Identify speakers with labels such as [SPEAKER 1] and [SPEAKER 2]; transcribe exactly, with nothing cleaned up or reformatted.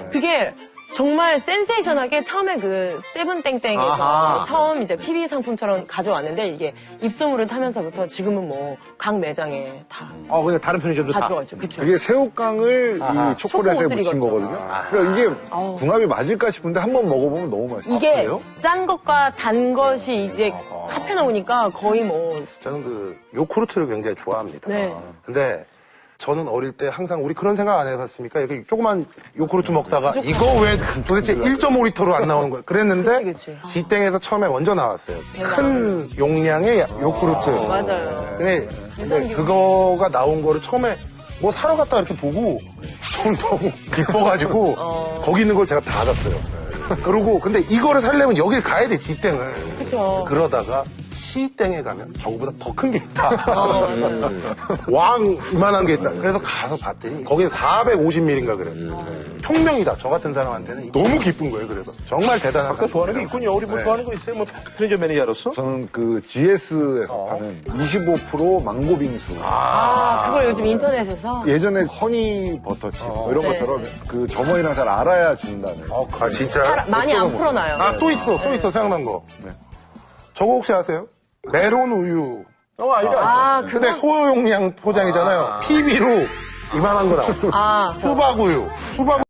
[SPEAKER 1] 그게 정말 센세이션하게 처음에 그 세븐땡땡에서
[SPEAKER 2] 아하.
[SPEAKER 1] 처음 이제 피비 상품처럼 가져왔는데 이게 입소문을 타면서부터 지금은 뭐 각 매장에 다,
[SPEAKER 3] 어, 그냥 다른 편의점도
[SPEAKER 1] 다
[SPEAKER 3] 다.
[SPEAKER 1] 들어가 있죠. 그쵸.
[SPEAKER 4] 그게 새우깡을
[SPEAKER 3] 아하.
[SPEAKER 4] 이 초콜릿에
[SPEAKER 1] 초코
[SPEAKER 4] 묻힌
[SPEAKER 1] 옷을
[SPEAKER 4] 거거든요.
[SPEAKER 1] 익었죠.
[SPEAKER 4] 그러니까 이게
[SPEAKER 1] 아우.
[SPEAKER 4] 궁합이 맞을까 싶은데 한번 먹어보면 너무 맛있어요.
[SPEAKER 1] 이게
[SPEAKER 3] 그래요?
[SPEAKER 1] 짠 것과 단 것이 이제 합해 놓으니까 거의 뭐
[SPEAKER 5] 저는 그 요구르트를 굉장히 좋아합니다.
[SPEAKER 1] 네.
[SPEAKER 5] 근데 저는 어릴 때 항상 우리 그런 생각 안 해봤습니까? 이렇게 조그만 요구르트 먹다가 이거 왜 도대체 일 점 오 리터로 안 나오는 거야? 그랬는데
[SPEAKER 1] 그치, 그치.
[SPEAKER 5] 지땡에서 처음에 먼저 나왔어요. 큰 용량의 요구르트.
[SPEAKER 1] 맞아요.
[SPEAKER 5] 근데, 근데 그거가 나온 거를 처음에 뭐 사러 갔다 이렇게 보고 저는 너무 기뻐가지고 거기 있는 걸 제가 다 샀어요. 그러고 근데 이거를 사려면 여길 가야 돼, 지땡을.
[SPEAKER 1] 그쵸.
[SPEAKER 5] 그러다가 시땡에 가면 저거보다 더 큰 게 있다.
[SPEAKER 1] 어,
[SPEAKER 5] 왕 이만한 게 있다. 그래서 가서 봤더니 거기는 사백오십 밀리리터인가 그래. 혁명이다. 저 같은 사람한테는 너무 기쁜 거예요. 그래서 정말 대단한.
[SPEAKER 3] 아까 좋아하는 게 있군요. 우리 뭐
[SPEAKER 5] 네.
[SPEAKER 3] 좋아하는 거 있어요? 뭐 편의점 매니저로서?
[SPEAKER 4] 저는 그 지에스에서 파는 이십오 퍼센트 망고 빙수.
[SPEAKER 1] 아, 그걸 요즘 인터넷에서
[SPEAKER 4] 예전에 허니 버터칩 뭐 이런
[SPEAKER 1] 네.
[SPEAKER 4] 것처럼 그 점원이랑 잘 알아야 준다는.
[SPEAKER 5] 아 진짜?
[SPEAKER 1] 잘- 많이 안 풀어놔요.
[SPEAKER 5] 아 또 있어. 또 있어. 생각난 거. 저거 혹시 아세요? 메론 우유.
[SPEAKER 3] 어, 알죠, 알죠.
[SPEAKER 1] 아,
[SPEAKER 5] 근데 소용량 포장이잖아요. 피비로 이만한 거 나와.
[SPEAKER 1] 아,
[SPEAKER 5] 수박 우유. 수박